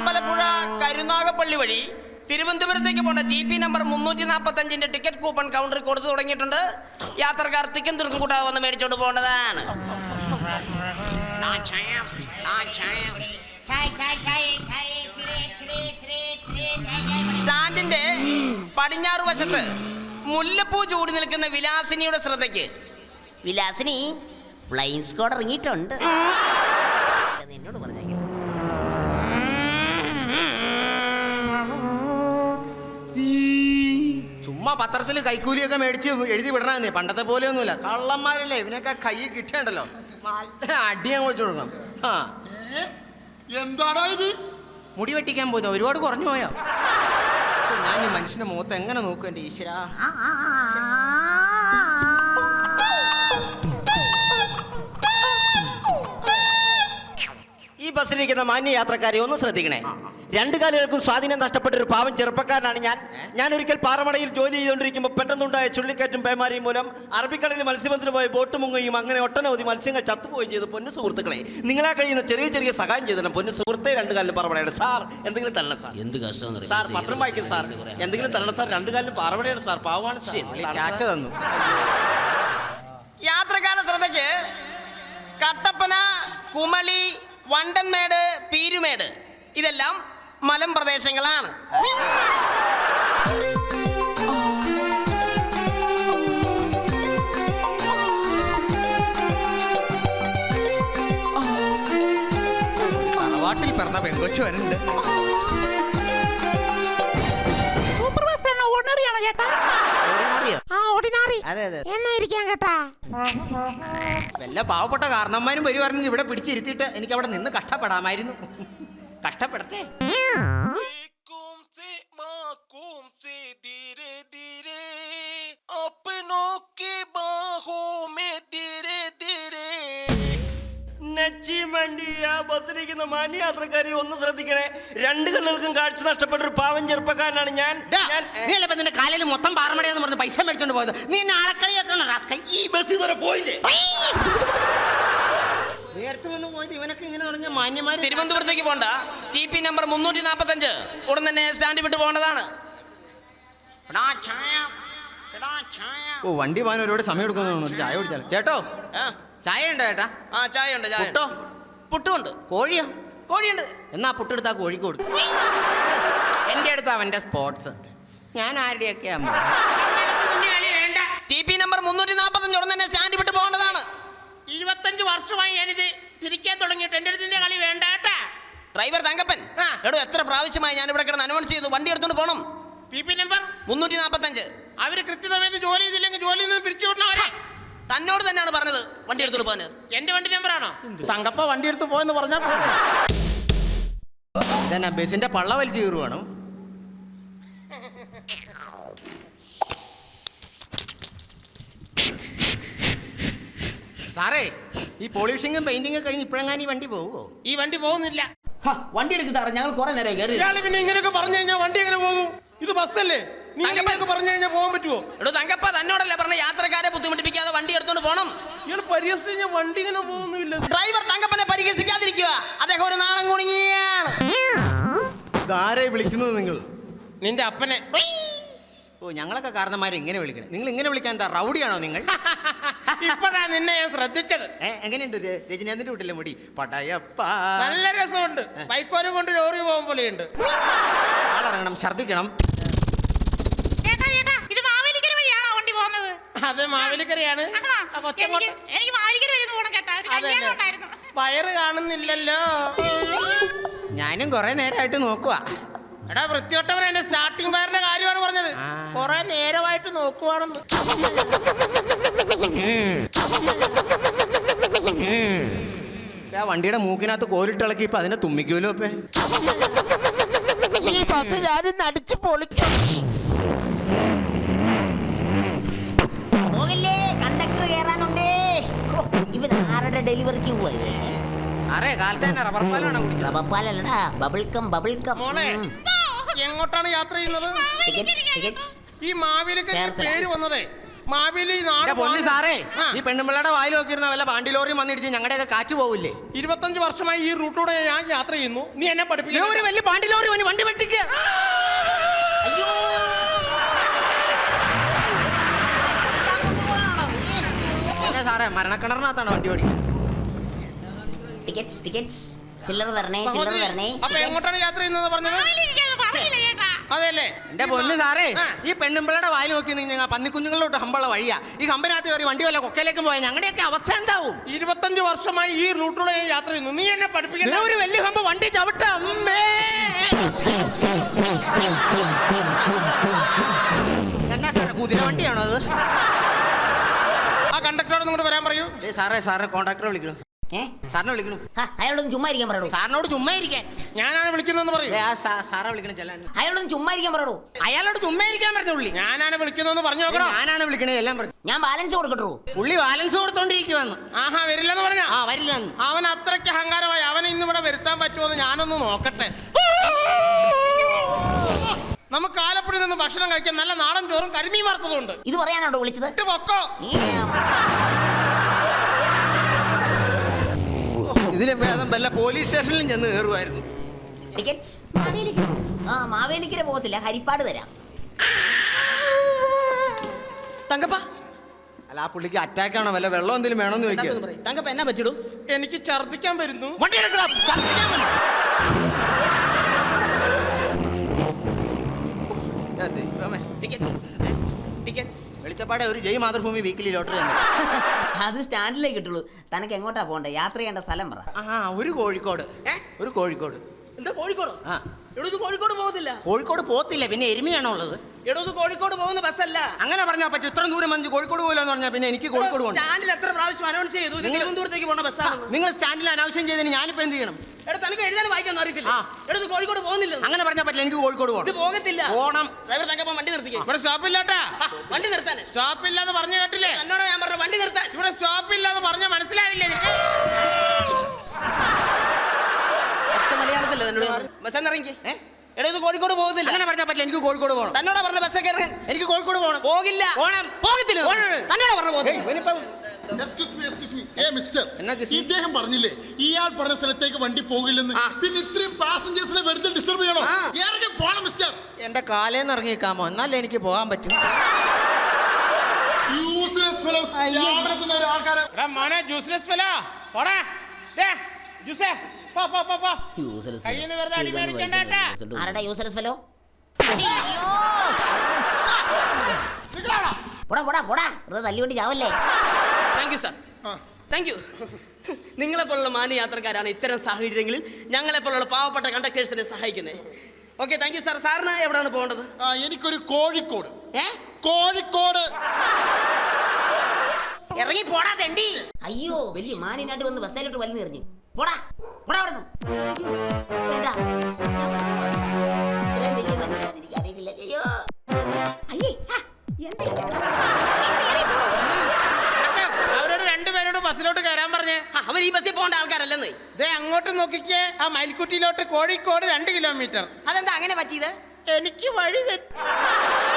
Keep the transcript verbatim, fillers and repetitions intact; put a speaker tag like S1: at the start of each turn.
S1: അമ്പലപ്പുഴ കരുനാഗപ്പള്ളി വഴി തിരുവനന്തപുരത്തേക്ക് പോകേണ്ട ടി പി നമ്പർ മുന്നൂറ്റി നാൽപ്പത്തി അഞ്ചിന്റെ ടിക്കറ്റ് കൂപ്പൺ കൗണ്ടറിൽ കൊടുത്തു തുടങ്ങിയിട്ടുണ്ട്. യാത്രക്കാർ തിക്കും തിരുക്കും കൂട്ടാതെ വന്ന് മേടിച്ചോണ്ട് പോകേണ്ടതാണ്. സ്റ്റാൻഡിന്റെ പടിഞ്ഞാറ് വശത്ത് മുല്ലപ്പൂ ചൂടി നിൽക്കുന്ന വിലാസിനിയുടെ ശ്രദ്ധയ്ക്ക്. വിലാസിനി ഫ്ലൈൻ സ്ക്വാഡ് ഇറങ്ങിയിട്ടുണ്ട്. എന്നോട് പറഞ്ഞെങ്കിൽ
S2: ചുമ്മാ പത്രത്തിൽ കൈക്കൂലിയൊക്കെ മേടിച്ച് എഴുതി വിടണമെന്നേ. പണ്ടത്തെ പോലെയൊന്നുമില്ല. കള്ളന്മാരല്ലേ ഇവനൊക്കെ കൈ കിട്ടേണ്ടല്ലോ. നല്ല അടിയാൻ വെച്ചു കൊടുക്കണം. ആ
S3: എന്താണോ ഇത്?
S2: മുടി വെട്ടിക്കാൻ പോയത് ഒരുപാട് കുറഞ്ഞു പോയോ? ഞാൻ ഈ മനുഷ്യന്റെ മുഖത്ത് എങ്ങനെ നോക്കും എൻ്റെ ഈശ്വര?
S4: ഈ ബസ്സിലിരിക്കുന്ന മാന്യ യാത്രക്കാരെ ഒന്ന് ശ്രദ്ധിക്കണേ. രണ്ടു കാലുകൾക്കും സ്വാധീനം നഷ്ടപ്പെട്ട ഒരു പാവം ചെറുപ്പക്കാരനാണ് ഞാൻ. ഞാൻ ഒരിക്കൽ പാറമടയിൽ ജോലി ചെയ്തുകൊണ്ടിരിക്കുമ്പോൾ പെട്ടെന്നുണ്ടായ ചുള്ളിക്കാറ്റും പേമാരിയും മൂലം അറബിക്കടലിൽ മത്സ്യബന്ധനം പോയി ബോട്ട് മുങ്ങുകയും അങ്ങനെ ഒട്ടനവധി മത്സ്യങ്ങൾ ചത്തുപോവുകയും ചെയ്തു. പൊന്നു സുഹൃത്തുക്കളെ, നിങ്ങളാ കഴിയുന്ന ചെറിയ ചെറിയ സഹായം ചെയ്തിട്ടുണ്ട്. പൊന്നു സുഹൃത്തെ, രണ്ടു കാലിലും പാറമടയുടെ സാർ എന്തെങ്കിലും തരണം സാർ.
S1: എന്ത് കഷ്ടം
S4: സാർ, പത്രം വായിക്കും സാർ. എന്തെങ്കിലും തരണം സാർ. രണ്ടു കാലിലും പാറമടയുടെ സാർ. പാവമാണ്
S2: ചാറ്റ തന്നു.
S1: യാത്രക്കാരുടെ ശ്രദ്ധയ്ക്ക് കട്ടപ്പന, കുമളി, വണ്ടൻമേട്, പീരുമേട് ഇതെല്ലാം മലമ്പ്രദേശങ്ങളാണ്.
S2: തറവാട്ടിൽ പിറന്ന പെങ്കൊച്ചു വരുന്നുണ്ട്. വല്ല പാവപ്പെട്ട കാരണന്മാരും വരുവാണെങ്കിൽ ഇവിടെ പിടിച്ചിരുത്തിയിട്ട് എനിക്ക് അവിടെ നിന്ന് കഷ്ടപ്പെടാമായിരുന്നു. കഷ്ടപ്പെടട്ടെ.
S4: ബസ്സിലിരിക്കുന്ന മാന്യ യാത്രക്കാരെ ഒന്ന് ശ്രദ്ധിക്കണേ. രണ്ട് കണ്ണുകൾക്കും കാഴ്ച നഷ്ടപ്പെട്ട ഒരു പാവം ചെറുപ്പക്കാരനാണ് ഞാൻ.
S2: നീ അല്ല നിന്റെ കാലിൽ മൊത്തം പാറമടയെന്ന് പറഞ്ഞ് പൈസ മേടിച്ചോണ്ട് പോയത്. നീ എന്നെ ആളക്കളിയൊക്കെ
S4: ഈ ബസ് ഇതുവരെ പോയില്ലേ?
S2: നേരത്തെ വന്ന് പോയത് ഇവനൊക്കെ ഇങ്ങനെ തുടങ്ങിയ മാന്യമാര്.
S1: തിരുവനന്തപുരത്തേക്ക് പോകണ്ട ടി പി നമ്പർ മുന്നൂറ്റി നാൽപ്പത്തി അഞ്ച് ഉടൻ തന്നെ സ്റ്റാൻഡ് വിട്ട് പോകേണ്ടതാണ്.
S2: ഓ, വണ്ടി പോകാൻ ഒരുപാട് സമയം എടുക്കുന്നു. ചായ കുടിച്ചാലോ? ചേട്ടോ, ചായ ഉണ്ടോ ചേട്ടാ?
S1: ആ, ചായ ഉണ്ട്. ചായ
S2: പുട്ടോ?
S1: പുട്ടുമുണ്ട്.
S2: കോഴിയോ?
S1: കോഴിയുണ്ട്.
S2: എന്നാ പുട്ടെടുത്താ കോഴിക്ക് കൊടുക്കും. എൻ്റെ അടുത്ത് അവൻ്റെ സ്പോർട്സ്. ഞാൻ ആരുടെയൊക്കെ
S1: ടി പി നമ്പർ മുന്നൂറ്റി നാൽപ്പത്തി അഞ്ച് ഉടൻ തന്നെ സ്റ്റാൻഡ് വിട്ട് പോകേണ്ടതാണ്.
S5: ഇരുപത്തഞ്ച് വർഷമായി ഞാനിത് തിരിക്കാൻ തുടങ്ങിയിട്ട് എൻ്റെ അടുത്തിന്റെ കളി വേണ്ട കേട്ടാ.
S1: ഡ്രൈവർ തങ്കപ്പൻ, എടോ എത്ര പ്രാവശ്യമായി ഞാൻ ഇവിടെ കിടന്ന് അനൗൺസ് ചെയ്തു വണ്ടി എടുത്തോണ്ട് പോകണം.
S5: പി പി നമ്പർ
S1: മുന്നൂറ്റി നാൽപ്പത്തി അഞ്ച്.
S5: അവര് കൃത്യസമയത്ത് ജോലി ചെയ്തില്ലെങ്കിൽ ജോലിയിൽ നിന്ന് പിരിച്ചു വിടണവരെ.
S1: തന്നോട് തന്നെയാണ് പറഞ്ഞത് വണ്ടി എടുത്തോണ്ട് പോകാൻ.
S5: എന്റെ വണ്ടി നമ്പറാണോ? തങ്കപ്പ വണ്ടി എടുത്ത് പോയെന്ന് പറഞ്ഞാൽ
S2: ഇതന്നെ ബസിന്റെ പള്ള വലിച്ചു കീറുവാണോ? സാറേ, ഈ പോളിഷിങ്ങും പെയിന്റിങ്ങും കഴിഞ്ഞ് ഇപ്പോഴെങ്ങാനും ഈ വണ്ടി പോവുമോ?
S5: ഈ വണ്ടി പോകുന്നില്ല.
S1: വണ്ടി എടുക്കും സാറേ, ഞങ്ങൾ കുറെ നേരം കയറി.
S5: ഇയാള് പിന്നെ ഇങ്ങനെയൊക്കെ പറഞ്ഞു കഴിഞ്ഞാൽ വണ്ടി എങ്ങനെ പോകും? ഇത് ബസ്സല്ലേ? നീ അങ്ങനെയൊക്കെ പറഞ്ഞു കഴിഞ്ഞാൽ പോകാൻ പറ്റുമോ?
S1: എടോ തങ്കപ്പ, തന്നോടല്ലേ പറഞ്ഞ യാത്രക്കാരെ ബുദ്ധിമുട്ടിപ്പിക്കാതെ വണ്ടി എടുത്തോണ്ട് പോകണം.
S5: ഇയാൾ പരിഹസിച്ച് കഴിഞ്ഞാൽ വണ്ടി ഇങ്ങനെ പോകുന്നില്ല.
S1: ഡ്രൈവർ തങ്കപ്പനെ പരിഹസിക്കാതിരിക്കുക. അദ്ദേഹം ഒരു നാളം കുടുങ്ങിയാണ്.
S2: ആരെ വിളിക്കുന്നത് നിങ്ങൾ?
S5: നിന്റെ അപ്പനെ.
S2: ഓ, ഞങ്ങളൊക്കെ കാരണന്മാരെ ഇങ്ങനെ വിളിക്കണം. നിങ്ങൾ ഇങ്ങനെ വിളിക്കാൻ എന്താ റൗഡിയാണോ നിങ്ങൾ?
S5: ഇപ്പഴാ നിന്നെ ഞാൻ ശ്രദ്ധിച്ചത്.
S2: ഏ, എങ്ങനെയുണ്ട് രജനീകാന്തിന്റെ വീട്ടിലെ മുടി? പടയപ്പ.
S5: നല്ല രസമുണ്ട്. ബൈക്കോനും കൊണ്ട് ലോറി പോകും പോലെയുണ്ട്.
S2: ആളിറങ്ങണം, ഛർദിക്കണം.
S5: അത് മാവേലിക്കരയാണ്. വയറ് കാണുന്നില്ലല്ലോ.
S2: ഞാനും കുറെ നേരമായിട്ട് നോക്കുക.
S5: എടാ വൃത്തിയോട്ടവൻ, എന്റെ സ്റ്റാർട്ടിംഗ് വയറിന്റെ കാര്യമാണ് പറഞ്ഞത്. കുറെ നേരമായിട്ട് നോക്കുവാണെന്ന്.
S2: ആ വണ്ടിയുടെ മൂക്കിനകത്ത് കോലിട്ടിളക്കി ഇപ്പൊ അതിനെ തുമ്മിക്കൂലോ. ഇപ്പൊ
S5: ഈ ബസ് ഞാനിന്ന് അടിച്ചു പൊളിക്കും.
S6: പോകില്ലേ, കണ്ടക്ടർ കയറാനുണ്ടേ. ഇവൻ ആരുടെ ഡെലിവറിക്ക് പോയത്?
S2: സാറേ, കാലത്ത് തന്നെ റബ്ബർ പാലാണ് കുടിച്ചത്.
S6: റബ്ബർ പാലല്ലടാ, ബബിൾക്കം ബബിൾക്കം.
S5: മോളെ, എങ്ങോട്ടാണ് യാത്ര ചെയ്യുന്നത്?
S6: ടിക്കറ്റ്സ് ടിക്കറ്റ്സ്
S5: ഈ മാവേലിക്കര പേര് വന്നതേ മാവേലി നാട്
S2: എന്റെ പൊന്നു സാറേ
S5: ആ.
S2: ഈ പെണ്ണുമ്പിള്ളയുടെ വായിൽ നോക്കിയിരുന്ന വല്ല പാണ്ടി ലോറിയും വന്നിടിച്ച് ഞങ്ങളുടെയൊക്കെ കാറ്റ് പോവില്ലേ?
S5: ഇരുപത്തഞ്ച് വർഷമായി ഈ റൂട്ടിലൂടെ ഞാൻ യാത്ര ചെയ്യുന്നു. നീ എന്നെ
S2: ദേ
S5: പഠിപ്പിക്കും.
S2: ഒരു വലിയ പാണ്ടി ലോറി വന്ന് വണ്ടി വെട്ടിക്കുക. അതെ സാറേ മരണക്കിണറിനകത്താണ് വണ്ടി ഓടിക്കുന്നത്.
S6: ടിക്കറ്റ്സ് ടിക്കറ്റ്സ് ചില്ലറ തരണേ ചില്ലറ തരണേ.
S5: അപ്പൊ എങ്ങോട്ടാണ് യാത്ര ചെയ്യുന്നത് പറഞ്ഞത്? അതെല്ലേ
S2: എന്റെ പൊന്നു സാറേ
S5: ആ.
S2: ഈ പെണ്ണുമ്പിള്ളയുടെ വായിൽ നോക്കി നിങ്ങൾ പന്നിക്കുഞ്ഞുങ്ങളിലോട്ട് ഹമ്പുള്ള വഴിയാ. ഈ ഹമ്പിനകത്ത് കയറി വണ്ടി വല്ല കൊക്കയിലേക്കും പോയാൽ ഞങ്ങളുടെയൊക്കെ അവസ്ഥ എന്താവും?
S5: ഇരുപത്തഞ്ച് വർഷമായി ഈ റൂട്ടിലൂടെ ഞാൻ യാത്ര ചെയ്യുന്നു. നീ എന്നെ
S2: ദേ
S5: പഠിപ്പിക്കണ്ട.
S2: ഒരു വലിയ ഹമ്പ് വണ്ടി ചവിട്ട അമ്മേ. എന്നാ സാറേ കുതിര വണ്ടിയാണോ അത്?
S5: ആ കണ്ടക്ടറോട് ഇങ്ങോട്ട് വരാൻ പറയൂ.
S2: ഏ സാറേ സാറേ കോൺട്രാക്ടറെ വിളിക്കണം.
S6: ഏ
S2: സാറിനെ വിളിക്കണം.
S6: ഹാ, അയാളോടൊന്ന് ചുമ്മാ ഇരിക്കാൻ പറയൂ.
S2: സാറിനോട് ചുമ്മാ ഇരിക്കാൻ.
S5: ഞാനാണ് വിളിക്കുന്നതെന്ന് പറയൂ.
S2: ഏ, ആ സാ- സാറെ വിളിക്കണം ചെല്ലാൻ.
S6: അയാളോടൊന്ന് ചുമ്മാ ഇരിക്കാൻ പറയൂ.
S2: അയാളോട് ചുമ്മാ ഇരിക്കാൻ പറഞ്ഞ പുള്ളി.
S5: ഞാനാണ് വിളിക്കുന്നതെന്ന് പറഞ്ഞു നോക്കണോ?
S2: ഞാനാണ് വിളിക്കണേ എല്ലാം പറഞ്ഞു.
S6: ഞാൻ ബാലൻസ് കൊടുക്കട്ടു.
S2: പുള്ളി ബാലൻസ് കൊടുത്തോണ്ടിരിക്കുവന്ന്.
S5: ആഹാ വരില്ലെന്ന് പറഞ്ഞ
S2: ആ വരില്ല.
S5: അവൻ അത്രയ്ക്ക് അഹങ്കാരമായി. അവനെ ഇന്ന് ഇവിടെ വരുത്താൻ പറ്റുമോ ഞാനൊന്ന് നോക്കട്ടെ. നമുക്ക് ആലപ്പുഴയിൽ നിന്ന് ഭക്ഷണം കഴിക്കാൻ നല്ല നാടൻ ചോറും കരിമീൻ വറുത്തതുണ്ട്.
S6: ഇത് പറയാനാണോ വിളിച്ചത്?
S5: ഇട്ട് പൊക്കോ.
S2: ഇതിലും ഭേദം വല്ല പോലീസ് സ്റ്റേഷനിലും ചെന്ന് കയറുമായിരുന്നു.
S6: ടിക്കറ്റ്സ് ആ മാവേലിക്കര പോകത്തില്ല, ഹരിപ്പാട് തരാം.
S1: തങ്കപ്പ
S2: അല്ല ആ പുള്ളിക്ക് അറ്റാക്ക് ആണോ വല്ല വെള്ളം എന്തെങ്കിലും വേണമെന്ന് ചോദിക്കുക.
S1: തങ്കപ്പ എന്നാ പറ്റിടൂ?
S5: എനിക്ക് ഛർദ്ദിക്കാൻ വരുന്നു.
S2: വണ്ടി എടുക്കണം. ഛർദ്ദിക്കാൻ വന്നു. ഏ, ദൈവമേ.
S1: ടിക്കറ്റ്സ് ടിക്കറ്റ്സ്
S2: വെളിച്ചപ്പാടെ ഒരു ജയ് മാതൃഭൂമി വീക്കിലി ലോട്ടറി തന്നെ.
S6: അത് സ്റ്റാൻഡിലേക്ക് കിട്ടുള്ളൂ. തനക്ക് എങ്ങോട്ടാ പോകണ്ടേ? യാത്ര ചെയ്യേണ്ട സ്ഥലം പറ.
S2: ആ ഒരു കോഴിക്കോട്.
S1: ഏ?
S2: ഒരു കോഴിക്കോട്.
S1: എന്താ കോഴിക്കോടോ?
S2: ആ
S1: എടോ ഇത് കോഴിക്കോട് പോകുന്നില്ല.
S2: കോഴിക്കോട് പോത്തില്ല പിന്നെ എരുമയാണോ ഉള്ളത്?
S1: എടോ ഇത് കോഴിക്കോട് പോകുന്ന ബസ്സല്ല.
S2: അങ്ങനെ പറഞ്ഞാൽ പറ്റും. ഇത്ര ദൂരം വന്ന് കോഴിക്കോട് പോലെന്ന് പറഞ്ഞാൽ പിന്നെ എനിക്ക് കോഴിക്കോട് പോകണം.
S1: ചാനൽ എത്ര പ്രാവശ്യം അനൗൺസ് ചെയ്തു ഇത്
S2: നിങ്ങൾ-
S1: തിരുവനന്തപുരത്തേക്ക് പോണ ബസ്സാണ്.
S2: നിങ്ങൾ സ്റ്റാൻഡിൽ അനാവശ്യം ചെയ്തതിന് ഞാനിപ്പോ എന്ത് ചെയ്യണം?
S1: എടാ തനിക്ക് എഴുതാൻ വായിക്കാനൊന്നും അറിയത്തില്ല.
S2: ആ.
S1: എടോ ഇത് കോഴിക്കോട് പോകുന്നില്ല.
S2: അങ്ങനെ പറഞ്ഞാൽ പറ്റില്ല. എനിക്ക് കോഴിക്കോട്
S1: ഇത്
S2: പോകണം.
S1: പോകത്തില്ല.
S2: പോണം.
S1: ഡ്രൈവർ തങ്കപ്പ വണ്ടി നിർത്തിക്കേ.
S5: ഇവിടെ സ്റ്റോപ്പില്ലാട്ടാ.
S1: ആ, വണ്ടി നിർത്താൻ.
S5: സ്റ്റോപ്പില്ലാന്ന് പറഞ്ഞു കേട്ടില്ലേ?
S1: എന്നോട് ഞാൻ പറഞ്ഞ വണ്ടി നിർത്താൻ.
S5: ഇവിടെ സ്റ്റോപ്പില്ലാന്ന് പറഞ്ഞ മനസ്സിലായില്ലേ എനിക്ക്?
S1: അച്ഛ മലയാളത്തില്ല തന്നോട് ബസ് ഇറങ്ങി. എടാ ഇത് കോഴിക്കോട് പോകുന്നില്ല.
S2: അങ്ങനെ പറഞ്ഞാൽ പറ്റില്ല. എനിക്ക് കോഴിക്കോട് പോകണം.
S1: തന്നോടാ പറഞ്ഞ ബസ്സൊക്കെ ഇറങ്ങാൻ.
S2: എനിക്ക് കോഴിക്കോട് പോകണം.
S1: പോകില്ല.
S2: പോണം.
S1: പോകത്തില്ല.
S2: പോണം.
S1: തന്നോടാ പറഞ്ഞ പോകുന്നത്.
S3: എക്സ്ക്യൂസ് മീ എക്സ്ക്യൂസ് മീ ഏ മിസ്റ്റർ
S2: എന്നാ കിസ് മീ?
S3: ഇദ്ദേഹം പറഞ്ഞില്ലേ ഇയാൾ പറഞ്ഞ സ്ഥലത്തേക്ക് വണ്ടി പോകില്ലെന്ന്.
S1: ആ.
S3: പിന്നെ ഇത്രയും പാസഞ്ചേഴ്സിനെ വെറുതെ ഡിസ്റ്റർബ് ചെയ്യണോ?
S1: ആ.
S3: ഇറങ്ങി പോണം മിസ്റ്റർ.
S2: എന്റെ കാലേന്ന് ഇറങ്ങിക്കാമോ? എന്നാലേ എനിക്ക് പോകാൻ പറ്റും.
S3: Useless fellows. രാവിലെ തന്നെ ഒരു ആൾക്കാരെ
S5: എടാ മോനെ ജ്യൂസ്ലെസ് ഫെലോ പോടാ. ദേ, ജ്യൂസേ പോ പോ പോ പോ. കയ്യിന്ന് വെറുതെ അടി മേടിക്കണ്ട കേട്ടാ.
S6: ആരുടെ യൂസലസ് ഫെലോ?
S5: നിങ്ങളാണോ?
S6: പോടാ പോടാ പോടാ, വെറുതെ തല്ലുകൊണ്ട് ചാവല്ലേ.
S1: Thank you sir. Thank you. നിങ്ങളെപ്പോലുള്ള മാന്യ യാത്രക്കാരാണ് ഇത്തരം സാഹചര്യങ്ങളിൽ ഞങ്ങളെപ്പോലുള്ള പാവപ്പെട്ട കണ്ടക്ടേഴ്സിനെ സഹായിക്കുന്നത്. Okay thank you sir. സാറിന് എവിടെയാണ് പോകേണ്ടത്?
S3: ആ, എനിക്കൊരു കോഴിക്കോട്.
S1: ഏ
S3: കോഴിക്കോട്.
S1: ഇറങ്ങി പോടാ തെണ്ടി.
S6: അയ്യോ വലിയ മാനിനായിട്ട് വന്ന് ബസ്സിലോട്ട് വലിഞ്ഞു എറിഞ്ഞു. പോടാ പോടാ അവിടെ നിന്ന്. ഇത്രയും വലിയ മനുഷ്യനാണെന്ന് എനിക്ക് അറിയത്തില്ല. അയ്യോ അയ്യേ ആ, എന്താ ഇത്?
S5: നിനക്ക് അവരോട് രണ്ടുപേരോട് ബസ്സിലോട്ട് കയറാൻ പറഞ്ഞേ.
S1: ആ, അവർ ഈ ബസ്സിൽ പോകേണ്ട ആൾക്കാരല്ലെന്ന്.
S5: ദേ അങ്ങോട്ട് നോക്കിക്കേ. ആ മയിൽക്കുട്ടിയിലോട്ട് കോഴിക്കോട് രണ്ട് കിലോമീറ്റർ.
S1: അതെന്താ അങ്ങനെ പറ്റിയത്?
S5: എനിക്ക് വഴി തെറ്റി.